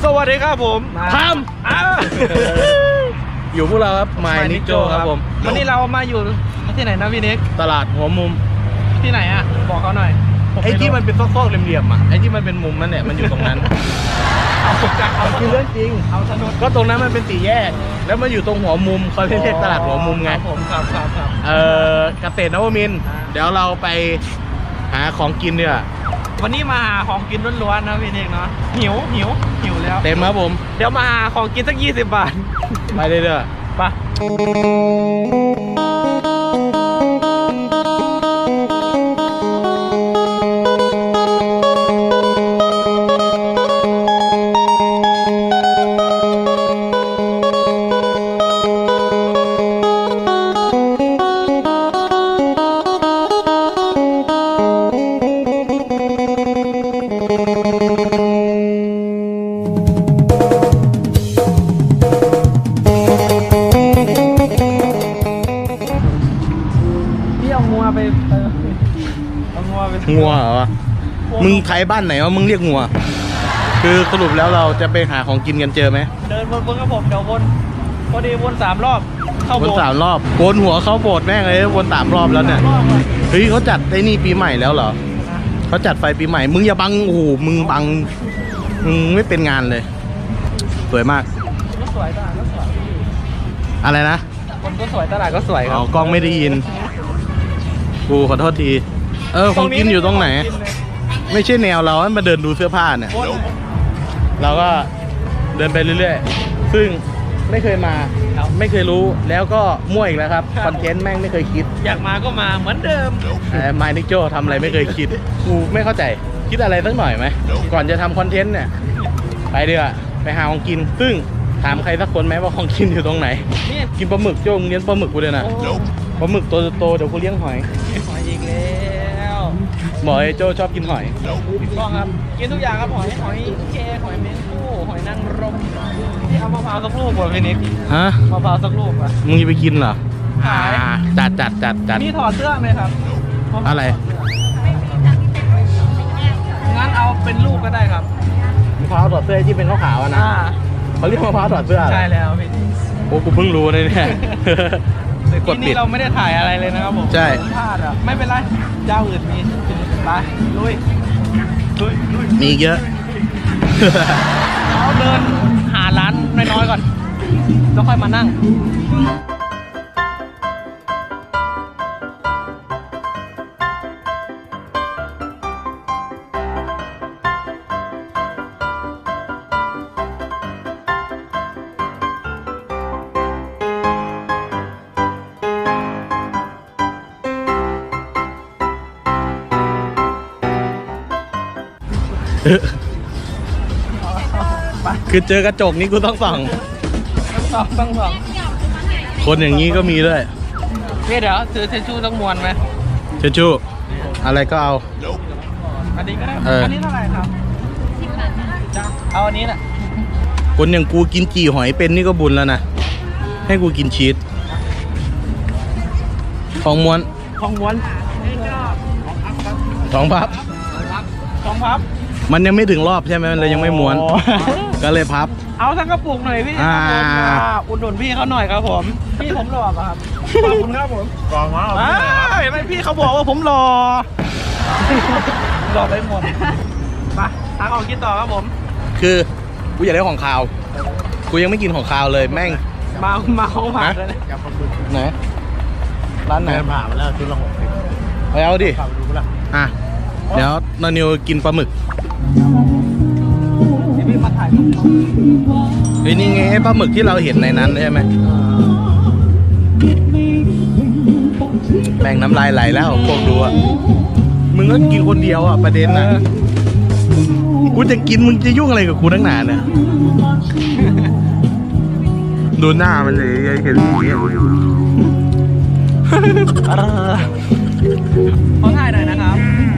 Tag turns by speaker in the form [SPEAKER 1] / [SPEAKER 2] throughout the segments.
[SPEAKER 1] สวัสดีครับผม
[SPEAKER 2] ทำอยู่พวกเราครับไมนิโจครับผม
[SPEAKER 1] วันนี้เรามาอยู่ที่ไหนนะพี่เน็ก
[SPEAKER 2] ตลาดหัวมุม
[SPEAKER 1] ที่ไหนอ่ะบอกเขาหน่อย
[SPEAKER 2] ไอ้ที่มันเป็นซอกๆเหลี่ยมๆอ่ะไอ้ที่มันเป็นมุมนั่นแหละมันอยู่ตรงนั้นเอาคือเรื่องจริง
[SPEAKER 1] เอาถนน
[SPEAKER 2] ก็ตรงนั้นมันเป็นสี่แยกแล้วมันอยู่ตรงหัวมุมเขาเรียกตลาดหัวมุมไง
[SPEAKER 1] ผมครับ
[SPEAKER 2] เกษตรนวมินทร์เดี๋ยวเราไปหาของกินเนี่ย
[SPEAKER 1] วันนี้มาหาของกินล้วนๆนะพี่เน็กเนาะหิวแล้ว
[SPEAKER 2] เต็มครับผม
[SPEAKER 1] เดี๋ยวมาหาของกินสัก20 บาท
[SPEAKER 2] ไปเรื่อย
[SPEAKER 1] ๆไป
[SPEAKER 2] งัวเหรอมึงไทยบ้านไหนวะมึงเรียกงัวคือสรุปแล้วเราจะไปหาของกินกันเจอไหม
[SPEAKER 1] เดินวนกับผมเดี๋ยววนพอดีวน3 รอบเข้าโบสถ์
[SPEAKER 2] วน3 รอบโกนหัวเข้าโบสถ์แม่งเลยวน3 รอบแล้วเนี่ยเฮ้ยเขาจัดไอ้นี่ปีใหม่แล้วเหรอเขาจัดไฟปีใหม่มึงอย่าบังโอ้โหมึงบังมึงไม่เป็นงานเลยสวยมาก
[SPEAKER 1] ก็สวยตลาดก็สวย
[SPEAKER 2] อะไรนะ
[SPEAKER 1] คนก็สวยตลาดก็สวยครับ
[SPEAKER 2] กล้องไม่ได้ยินกูขอโทษทีของกินอยู่ตรงไหนไม่ใช่แนวเราให้มาเดินดูเสื้อผ้าเนี่ยเราก็เดินไปเรื่อยๆซึ่งไม่เคยมาไม่เคยรู้แล้วก็มั่วอีกแล้วครับคอนเทนต์แม่งไม่เคยคิด
[SPEAKER 1] อยากมาก็มาเหมือนเดิม
[SPEAKER 2] ไมนิกโจทำอะไรไม่เคยคิดกูไม่เข้าใจคิดอะไรสักหน่อยไหมก่อนจะทำคอนเทนต์เนี่ยไปเดี๋ยวไปหาของกินซึ่งถามใครสักคนไหมว่าของกินอยู่ตรงไหนกินปลาหมึกโจ้งเลี้ยงปลาหมึกกูเลยนะปลาหมึกโตเดี๋ยวกูเลี้ยงหอย
[SPEAKER 1] อีกแล้ว
[SPEAKER 2] บอกไอ้โจ้ชอบกินหอย
[SPEAKER 1] ถูกต้องครับกินทุกอย่างครับหอยแครงหอยเมนปูหอยนางรมที่เอามะพร้าวสักลูกก่อนพี่นิก
[SPEAKER 2] ฮะ
[SPEAKER 1] มะพร้าวสักลูกอ่ะ
[SPEAKER 2] มึงจะไปกินเหรอ
[SPEAKER 1] ขาย
[SPEAKER 2] จัด
[SPEAKER 1] นี่ถอดเสื้อไหมครับ
[SPEAKER 2] อะไร
[SPEAKER 1] งั้นเอาเป็นลูกก็ได้ครับ
[SPEAKER 2] มะพร้าวถอดเสื้อที่เป็นขาวๆนะเขาเรียกมะพร้าวถอดเสื้อ
[SPEAKER 1] ใช่แล้วพี่
[SPEAKER 2] โอ้กูเพิ่งรู้เลยเนี่ย
[SPEAKER 1] ที่นี่เราไม่ได้ถ่ายอะไรเลยนะครับผม
[SPEAKER 2] ใช่
[SPEAKER 1] พลาดอ่ะไม่เป็นไรเจ้าอื่นมีไปลุย
[SPEAKER 2] มีเยอะ
[SPEAKER 1] เราเดินหาร้านน้อยๆก่อนแล้วค่อยมานั่ง
[SPEAKER 2] คือเจอกระจกนี้กูต้องส่องคนอย่างนี้ก็มีด้วย
[SPEAKER 1] พี่เดี๋ยวซื้อเชชูต้องมวนไหม
[SPEAKER 2] เชชูอะไรก็เอา
[SPEAKER 1] อันนี้ก็ได้อันนี้เท่าไหร่ครับเอาอันนี้แหละ
[SPEAKER 2] คนอย่างกูกินจี่หอยเป็นนี่ก็บุญแล้วนะให้กูกินชีสของม้วน2 พับมันยังไม่ถึงรอบใช่ไหมมันเลยยังไม่ม้วนก็เลยพับ
[SPEAKER 1] เอาทั้งกระปุกหน่อยพี่อุดหนุนพี่เขาหน่อยครับผมพี่ผมหล่อป่ะครับขอบคุณครับผม
[SPEAKER 2] กองมา
[SPEAKER 1] ไม่พี่เขาบอกว่าผมหล่อไปหมดไปทางออกกินต่อครับผม
[SPEAKER 2] คือกูอยากได้ของคาวกูยังไม่กินของคาวเลยแม่ง
[SPEAKER 1] มาของผ่านเลย
[SPEAKER 2] ไหนร้านไหน
[SPEAKER 3] ผ่านมาแล้วชุดละ60
[SPEAKER 2] ไปเอาดิเดี๋ยวนนิวกินปลาหมึก
[SPEAKER 1] พี่มาถ่าย
[SPEAKER 2] เฮ้ยนี่ไงปลาหมึกที่เราเห็นในนั้นใช่ไหมแม่งน้ำลายไหลแล้วพวกดูอ่ะมึงก็กินคนเดียวอ่ะประเด็นนะกูจะกินมึงจะยุ่งอะไรกับกูตั้งนานเนี่ยดูหน้ามันเลยเห็นอย่างเงี้ย
[SPEAKER 1] ขอถ่ายหน่อยนะครับ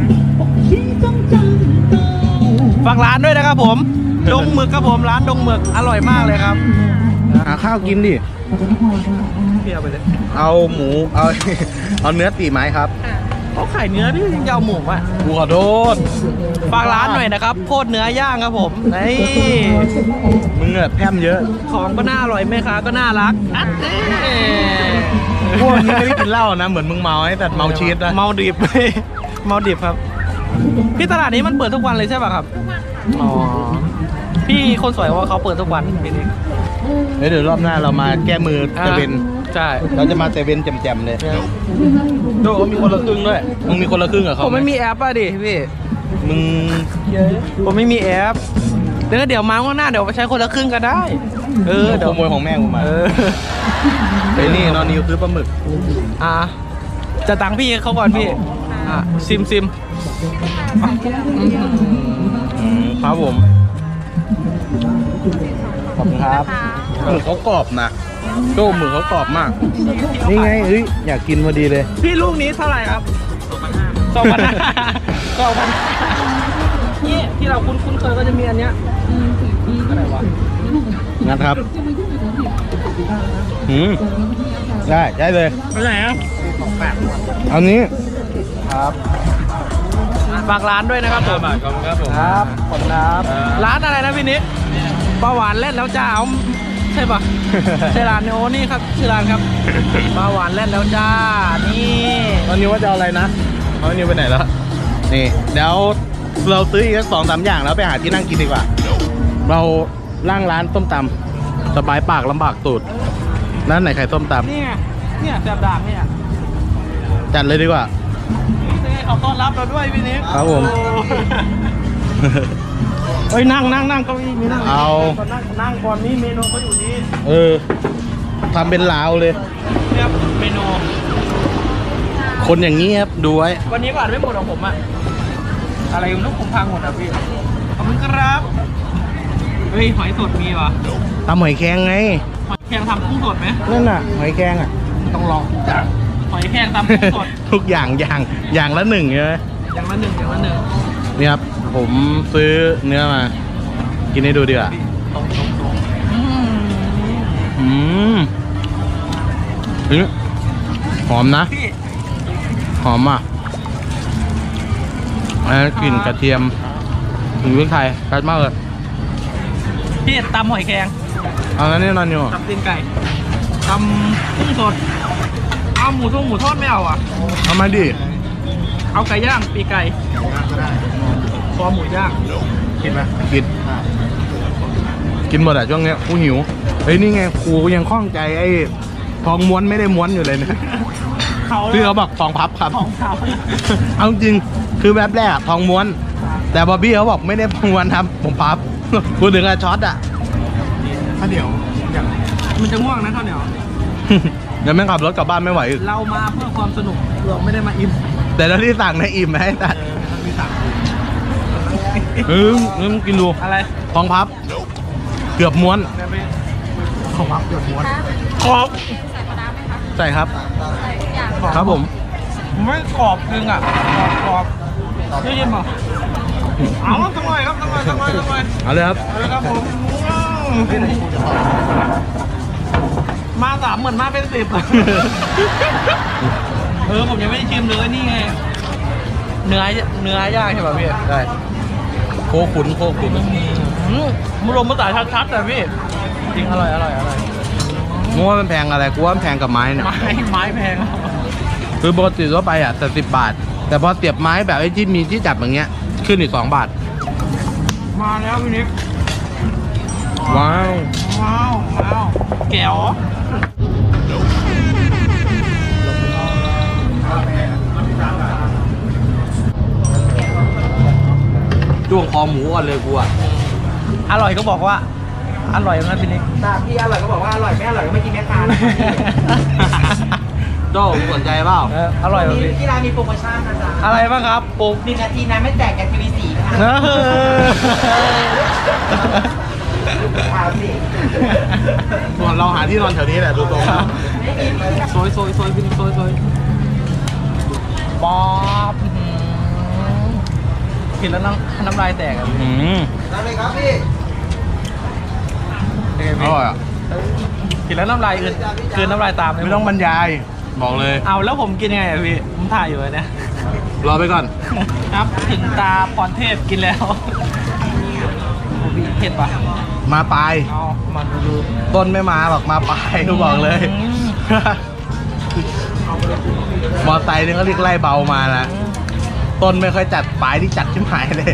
[SPEAKER 1] ฝากร้านด้วยนะครับผมดงหมึกครับผมร้านดงหมึกอร่อยมากเลยครับ
[SPEAKER 2] หาข้าวกินดิ
[SPEAKER 1] เปรี้ยวไปเลย
[SPEAKER 2] เอาหมูเอาเนื้อตีไม้ครับ
[SPEAKER 1] เขาขายเนื้อพี่ยังจะเอาหมูอ่ะ
[SPEAKER 2] กูขอโทษ
[SPEAKER 1] ฝากร้านหน่อยนะครับโคตรเนื้อย่างครับผมนี่
[SPEAKER 2] มึงอะแพร่มเยอะ
[SPEAKER 1] ของก็น่าอร่อยแม่ค้าก็น่ารักอัดเด้
[SPEAKER 2] พวกนี้ไม่ได้กินเหล้านะเหมือนมึงเมาไอ้แต่เมาชีสนะ
[SPEAKER 1] เมาดิบ เมาดิบครับพี่ตลาดนี้มันเปิดทุกวันเลยใช่ป่ะครับอ๋อพี่คนสวยว่าเขาเปิดทุกวันพี่นี่
[SPEAKER 2] เดี๋ยวรอบหน้าเรามาแก้มือเซเว่น
[SPEAKER 1] ใช่
[SPEAKER 2] เราจะมาเซเว่นแจ่มๆเลย
[SPEAKER 1] โดเขามีคนละครึ่งด้วย
[SPEAKER 2] มึงมีคนละครึ่งกับเขา
[SPEAKER 1] ผมไม่มีแอปอ่ะดิพี่
[SPEAKER 2] มึง
[SPEAKER 1] ผมไม่มีแอปเดี๋ยวมาข้างหน้าเดี๋ยวไปใช้คนละครึ่งก็ได้
[SPEAKER 2] ขโมยของแม่กูมา
[SPEAKER 1] เออ
[SPEAKER 2] ไอ้นี่นอนนิวซื้อปลาหมึก
[SPEAKER 1] จะตังค์พี่เขาก่อนพี่ซิม
[SPEAKER 2] ครับผมขอบคุณครับหมึกเขากรอบนะโจ้หมึกเขากรอบมาก นี่ไงเฮ้ยอยากกินพอดีเลย
[SPEAKER 1] พี่ลูกนี้เท่าไหร่ครับ2,500นี่ที่เราคุ้นเคยก็จะมีอันเนี้ยอะไรวะ
[SPEAKER 2] นะครับได้เลย
[SPEAKER 1] ไปไหนอ่ะ
[SPEAKER 2] เอานี้
[SPEAKER 1] ครับฝากร้านด้วยนะครับผม
[SPEAKER 2] ครับผม
[SPEAKER 1] ครับขอบคุณครับร้านอะไรนะพี่นิกปลาหวานเล่นแล้วจ้าใช่ปะ ใช่ร้านโอ้นี่ครับชื่อร้านครับปลาหวานเล่นแล้วจ้านี่
[SPEAKER 2] ตอนนี้ว่าจะเอาอะไรนะเอานิวไปไหนแล้วนี่เดี๋ยวเราซื้ออีกสัก2-3 อย่างแล้วไปหาที่นั่งกินดีกว่า เราล่างร้านต้มตำสบายปากลำบากตูดร้านไหนขายส้มต
[SPEAKER 1] เนี่ยแสบดากเนี่ย
[SPEAKER 2] ำจัดเลยดีกว่า
[SPEAKER 1] เขาต้อนรับเราด้วยพี่นิก
[SPEAKER 2] ครับผม
[SPEAKER 1] เฮ้ยนั่งเก้าอี้มีนั่ง
[SPEAKER 2] เอา
[SPEAKER 1] นั่งก่อนนี่เมนูเขาอยู่นี่
[SPEAKER 2] ทำเป็นลาวเลย
[SPEAKER 1] เนี่ยเมนู
[SPEAKER 2] คนอย่างนี้ครับดูไว้
[SPEAKER 1] วันนี้ก็อ่านไม่หมดของผมอะอะไรลูกผมพังหมดอ่ะพี่ขอบคุณครับเฮ้ยหอยสดมีวะ
[SPEAKER 2] ทำหอยแครงไง
[SPEAKER 1] หอยแครงทำกุ้งสดไหม
[SPEAKER 2] นั่นน่ะหอยแครงอ่ะต้องลองอย่าง
[SPEAKER 1] หอยแครงทำกุ้งสด
[SPEAKER 2] ทุกอย่างละ1ใช่ไหม
[SPEAKER 1] อย่างละหนึ่ง
[SPEAKER 2] นี่ครับผมซื้อเนื้อมา กินให้ดูดีกว่า อืมเฮ้ยหอมนะ
[SPEAKER 1] พี่
[SPEAKER 2] หอมอ่ะกลิ่นกระเทียมถึงพริกไทยชัดมากเลย
[SPEAKER 1] พี่ตำหอยแครง
[SPEAKER 2] เอางั้นนี่นอนอยู่
[SPEAKER 1] ตำตีนไก่ตำกุ้งสดเอาหมูทอดไม่เอาอ่ะ
[SPEAKER 2] เอามาดิ
[SPEAKER 1] เอาไก่ย่างปีกไก่คอหมูย่างกินไหม
[SPEAKER 2] กินหมดอ่ะช่วงเนี้ยกูหิวเฮ้ยนี่ไงกูยังคล่องใจไอ้ทองม้วนไม่ได้ม้วนอยู่เลยนะ
[SPEAKER 1] เขา
[SPEAKER 2] ที่เขาบอกทองพับครับ
[SPEAKER 1] ของเขา
[SPEAKER 2] เอาจริงคือแบบแรกอะทองม้วน แต่บอบบี้เขาบอกไม่ได้ม้วนครับผมพับพูดถึงอะช็อตอะข้าวเหนียว
[SPEAKER 1] มันจะง่วงนะข้าวเหนียว
[SPEAKER 2] เดี๋ยวแม่งขับรถกลับบ้านไม่ไหวอีก
[SPEAKER 1] เรามาเพื่อความสนุกเราไม่ได้มาอิ่ม
[SPEAKER 2] แต่แล้วที่สั่งในอิ่มไหมแต่
[SPEAKER 1] มีสั่ง
[SPEAKER 2] มึงกินดู
[SPEAKER 1] อะไร
[SPEAKER 2] ทองพับ เกือบม้วน
[SPEAKER 1] ของรับเกือบม้วนขอบ
[SPEAKER 2] ใส่ครับ ครับผม
[SPEAKER 1] ไม่กรอบจริงอ่ะกรอบได้ยินป่ะเอาสักหน่อยครับสักหน่อย
[SPEAKER 2] เอาเลยครับ
[SPEAKER 1] เอาเลยครับผมมา3เหมือนมาเป็น10ผมยังไม่ได้ชิมเลยนี่ไงเนื้อย่างใช่ป่ะพี่
[SPEAKER 2] ได้โคขุน
[SPEAKER 1] มุลมภาษาชัดๆแต่พี่จริงอร่อย
[SPEAKER 2] มึงว่ามันแพงอะไรกูว่ามันแพงกับไม้เนี่ย
[SPEAKER 1] ไม้แพง
[SPEAKER 2] คือปกติทั่วไปอ่ะแต่10 บาท แต่พอเสียบไม้แบบไอ้ที่มีที่จับอย่างเงี้ยขึ้นอีก2 บาท
[SPEAKER 1] มาแล้วพี่นิก
[SPEAKER 2] ว้าว
[SPEAKER 1] แก้ว
[SPEAKER 2] จ้วงคอหมูก่อนเลยกูอ่ะ
[SPEAKER 1] อร่อยก็บอกว่าอร่อยนะพี่นิก
[SPEAKER 3] พี่อร่อยก็บอกว่าอร่อยไม่อร่อยก็ไม่กินแม่ค้านะ
[SPEAKER 2] โจ้สนใจเปล่า
[SPEAKER 1] อร่อยแบบนี้
[SPEAKER 3] ที่ร้านมีโปรโมชั่นนะจ๊ะ
[SPEAKER 1] อะไรบ้างครับปุ๊บ
[SPEAKER 3] 1 นาทีนะไม่แตกกับทีวี4ค่ะข่าวสิ
[SPEAKER 2] ส่วนเราหาที่นอนแถวนี้แหละดูตรงแล้ว
[SPEAKER 1] ซอยพี่นิกซอยป๊อปกินแล้วน้ำลายแตกอ่ะ
[SPEAKER 3] รับเลยครับพี่
[SPEAKER 2] อร่อยอ่ะ
[SPEAKER 1] กินแล้วน้ำลายคืนน้ำลายตามเลย
[SPEAKER 2] ไม่ต้องบรรยายบอกเลย
[SPEAKER 1] เอาแล้วผมกินยังไงอะพี่ผมถ่ายอยู่เลยเนี่ย
[SPEAKER 2] รอไปก่อน
[SPEAKER 1] ครับถึงตาพรเทพกินแล้วโอ้พี่เผ็ดปะ
[SPEAKER 2] มาปลาย
[SPEAKER 1] เอามาดู
[SPEAKER 2] ต้นไม่มาหรอกมาปลายก็บอกเลย มอไซค์นี่เขาเรียกไล่เบามานะ ต้นไม่ค่อยจัดปลายที่จัดชิบหายเลย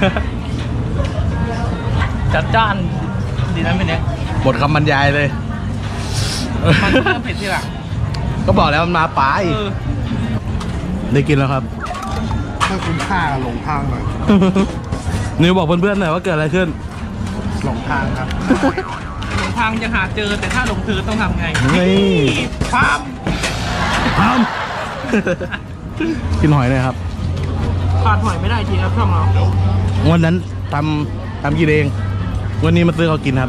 [SPEAKER 1] จัดจ้านดีนะพี่เน็ก
[SPEAKER 2] หมดคำบรรยายเลย
[SPEAKER 1] มันเพิ่มเผ็ดที่หลัง
[SPEAKER 2] ก็บอกแล้วมันมาปลาย
[SPEAKER 1] เออ
[SPEAKER 2] ได้กินแล้วครับ
[SPEAKER 3] ถ้าคุณค่าหลงทางหน่อย
[SPEAKER 2] นิวบอกเพื่อนๆหน่อยว่าเกิดอะไรขึ้น
[SPEAKER 3] หลงทางครับ
[SPEAKER 1] หลงทางยังหาเจอแต่ถ้าหลงเธอต้องทำไง
[SPEAKER 2] นี่
[SPEAKER 1] ความ
[SPEAKER 2] ทำ กินหอยหน่อยครับ
[SPEAKER 1] ขาดหอยไม่ได้จริงครับช่องเรา
[SPEAKER 2] วันนั้นทำกินเอง วันนี้มาซื้อเขากินครับ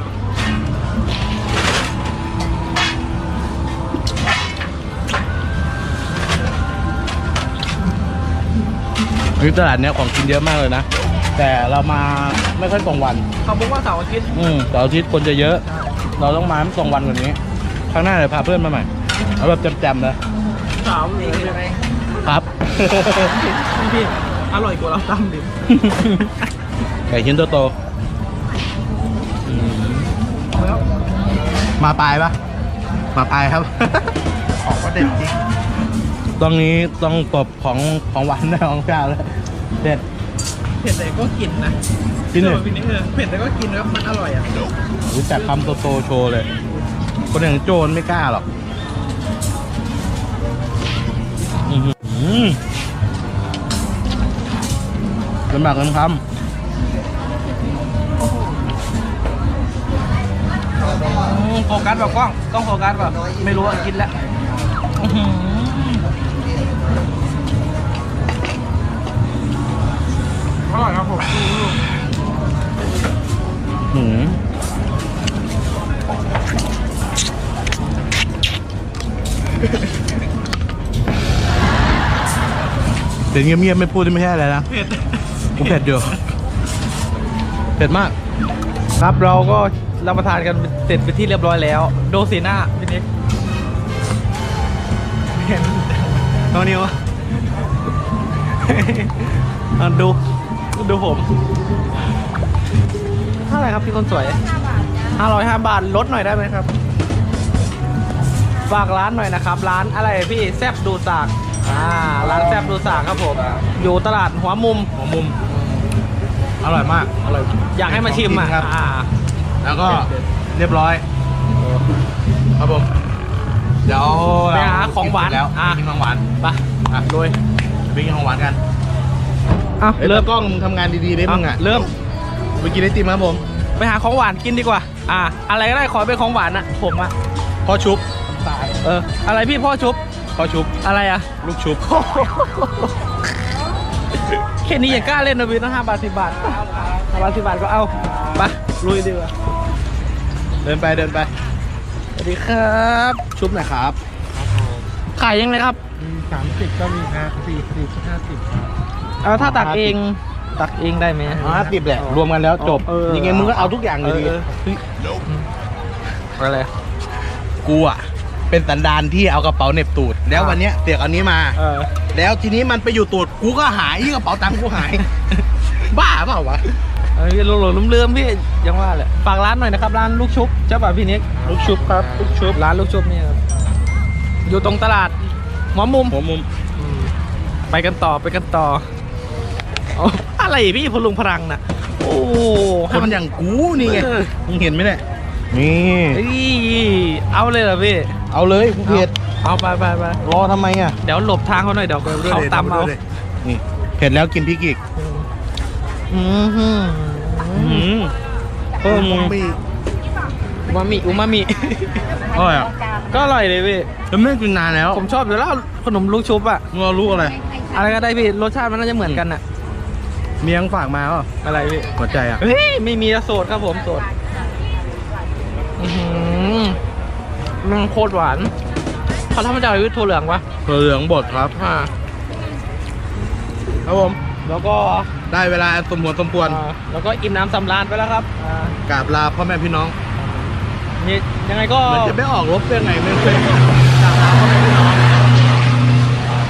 [SPEAKER 2] ตลาดเนี้ยของกินเยอะมากเลยนะ แต่เรามาไม่ค่อยตรงวัน
[SPEAKER 1] เขาบอกว่าเสาร์อาทิตย์
[SPEAKER 2] เสาร์อาทิตย์คนจะเยอะ เราต้องมาตรงวันกว่านี้ ครั้งหน้าเดี๋ยวพาเพื่อนมาใหม่ เอาแบบจำๆนะ
[SPEAKER 1] เสาร์นี้ใช่ไหม
[SPEAKER 2] ครับ
[SPEAKER 1] พี่อร่อยกว่าเราตำดิ
[SPEAKER 2] ไก่ชิ้นโตๆมาปลายปะมาปลายครับ
[SPEAKER 3] ของก็เด็ดจริง
[SPEAKER 2] ตรงนี้ต้องตบของหวานได้ของข้าวแล้วเด็ด
[SPEAKER 1] เผ็ดแต่ก็กินนะ
[SPEAKER 2] กินเลย
[SPEAKER 1] พี่นี่เผ็ดแต่ก็กินครับมันอร่อยอ่ะ
[SPEAKER 2] รู้จักคำโตๆโชว์เลย คนอย่างโจนไม่กล้าหรอกลำบากกันคำ
[SPEAKER 1] โฟกัสแบบกล้องต้องโฟกัสแบบไม่รู้ว่ากินแล้วอร่อยครับผม
[SPEAKER 2] เดี๋ยวเงียบๆไม่พูดไม่ใช่อะไรนะ
[SPEAKER 1] เผ็ด
[SPEAKER 2] กูเผ็ดอยู่เผ็ดมาก
[SPEAKER 1] ครับเราก็รับประทานกันเสร็จไปที่เรียบร้อยแล้ว โดสีหน้าพี่นิกเห็นน้องนิวดูผมเท่าไหร่ครับพี่คนสวย505 บาทลดหน่อยได้ไหมครับฝากร้านหน่อยนะครับ ร้านอะไรพี่แซบดูสากร้านแซบดูสากครับผมอยู่ตลาดหัวมุม
[SPEAKER 2] อร่อยมาก อร่อย
[SPEAKER 1] อยากให้มาชิมอ่ะ
[SPEAKER 2] ครับ แล้วก็เรียบร้อย ครับผม เดี๋ยว
[SPEAKER 1] ไปหาของหวาน
[SPEAKER 2] แล้วกินของหวาน
[SPEAKER 1] ไปโดย
[SPEAKER 2] ไปกินของหวานกัน
[SPEAKER 1] เริ่
[SPEAKER 2] เริ่
[SPEAKER 1] ม
[SPEAKER 2] มกล้องมึงทำงานดีๆได้มึงอ่ะ
[SPEAKER 1] เริ่ม
[SPEAKER 2] ไปกินไอติมครับผม
[SPEAKER 1] ไปหาของหวานกินดีกว่า อะไรก็ได้ขอเป็นของหวานอะผมอะ
[SPEAKER 2] พ่อชุบ
[SPEAKER 1] อะไรพี่พ่อชุบ
[SPEAKER 2] พ่อชุบ
[SPEAKER 1] อะไรอะ
[SPEAKER 2] ลูกชุบ
[SPEAKER 1] แค่นี้ยังกล้าเล่นนะพี่ตั้ง5 บาท 10 บาท5 บาท 10 บาทก็เอาไปลุยดีกว่า
[SPEAKER 2] เดินไป
[SPEAKER 1] สวัสดีครับ
[SPEAKER 2] ชุบหน่อยครับ
[SPEAKER 1] ขายยังไงครับ
[SPEAKER 3] 30ก็มีครับ40 50
[SPEAKER 1] เอาถ้าตักเองได้ไหม
[SPEAKER 2] 50แหละ รวมกันแล้วจบ ยังไงมึงก็เอาทุกอย่างเลยดี
[SPEAKER 1] อะไร
[SPEAKER 2] กูอ่ะ เป็นสันดานที่เอากระเป๋าเหน็บตูด แล้ววันเนี้ยเสียกอันนี้มา แล้วทีนี้มันไปอยู่ตูด กูก็หายกระเป๋าตังค์กูหาย บ้าเปล่าวะ
[SPEAKER 1] พี่หลงลืมๆพี่ยังว่าแหละฝากร้านหน่อยนะครับร้านลูกชุบเจ้าป่ะพี่นิก
[SPEAKER 2] ลูกชุบครับ ลูกชุบ
[SPEAKER 1] ร้านลูกชุบนี่ครับอยู่ตรงตลาดหัวมุม
[SPEAKER 2] หัวมุม
[SPEAKER 1] ไปกันต่อเอาอะไรพี่พลุงพลังน่ะโอ้
[SPEAKER 2] คนอย่างกูนี่ไง มึงเห็นไหมเนี่ย นี่
[SPEAKER 1] เฮ้ยเอาเลยเหรอพี่
[SPEAKER 2] เอาเลยกูเผ็ด
[SPEAKER 1] เอาไป
[SPEAKER 2] รอทำไมอ่ะ
[SPEAKER 1] เดี๋ยวหลบทางเขาหน่อยเดี๋ยวเขาตามเอา
[SPEAKER 2] นี่เผ็ดแล้วกินพริกอีก
[SPEAKER 1] เพิ่ม
[SPEAKER 2] มี
[SPEAKER 1] อูมามิ
[SPEAKER 2] อร่อยอ่ะ
[SPEAKER 1] ก็อร่อยเลยพี่
[SPEAKER 2] แล้วไม่ได้กินนานแล้ว
[SPEAKER 1] ผมชอบอยู่แล้วขนมลูกชุบอะ
[SPEAKER 2] มึงเอาลูกอะไร
[SPEAKER 1] อะไรก็ได้พี่รสชาติมันน่าจะเหมือนกันอะ
[SPEAKER 2] เมียงฝากมาเปล่า
[SPEAKER 1] อะไรพี่
[SPEAKER 2] หัวใจอ่ะ
[SPEAKER 1] เฮ้ยไม่มีโสดครับผมโสดมันโคตรหวานเขาทำมาจากอะไรพี่ถั่วเหลืองวะ
[SPEAKER 2] เหลืองบดครับ ครับผม
[SPEAKER 1] แล้วก็
[SPEAKER 2] ได้เวลาสมควรสมควร
[SPEAKER 1] แล้วก็อิ่มน้ำสำราญไปแล้วครับ
[SPEAKER 2] กราบลาพ่อแม่พี่น้อง
[SPEAKER 1] นี่ยังไงก็
[SPEAKER 2] เหมือนจะไม่ออกรบยังไงไม่เคยกราบลาพ่อแม่พี่น้อง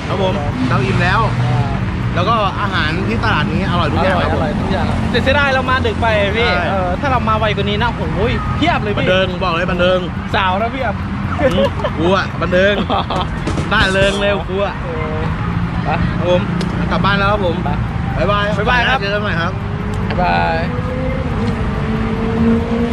[SPEAKER 2] ครับผมเราอิ่มแล้ว แล้วก็อาหารที่ตลาดนี้อร่อยทุกอย่างครับผม
[SPEAKER 1] ทุกอย่างแต่เสียดายเรามาดึกไปพี่
[SPEAKER 2] ใช่
[SPEAKER 1] ถ้าเรามาไวกว่านี้นะโอ้ยเพียบเลย
[SPEAKER 2] บัน
[SPEAKER 1] พี่
[SPEAKER 2] เทิงบอกเลยบันเทิง
[SPEAKER 1] สาวนะเพียบ
[SPEAKER 2] กูอะบันเทิงได้เริงเร็วกูอะ
[SPEAKER 1] ไป
[SPEAKER 2] ครับผมกลับบ้านแล้วครับผม
[SPEAKER 1] ไป
[SPEAKER 2] บ๊ายบาย
[SPEAKER 1] บ๊ายบายครับ
[SPEAKER 2] เจอกันใหม่ครับ
[SPEAKER 1] บ๊ายบาย